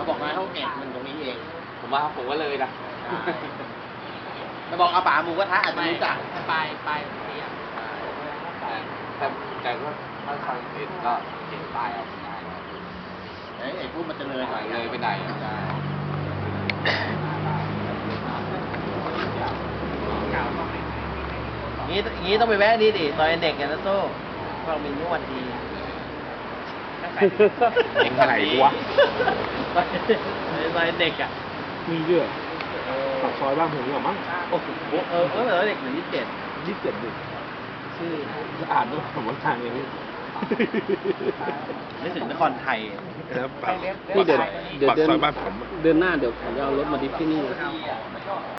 บอกมาเขาเก็บมันตรงนี้เองผมว่าผมก็เลยนะจะบอกเอาป่าหมูกระทะอาจจะรู้จักไปนี่อ่ะแต่ก็ถ้าใครเห็นก็เห็นป้ายเอาง่ายไอ้พวกมันจะเลยหน่อยเลยไปไหนใช่งี้ต้องไปแวะนี่ดิซอยเด็กกันนะโต้ก็มีนวดดีเอ็งไหนวะซอยเด็กอ่ะมีเยอะปากซอยบ้านผมนี่หรอมั้งโอ้โหซอยเด็กหนึ่ง27 27ดิชื่ออ่านด้วยผมว่าทางอย่างนี้ไม่ถึงนครไทยแล้วปากนี่เดี๋ยวปากซอยบ้านผมเดือนหน้าเดี๋ยวผมจะเอารถมาดิฟที่นี่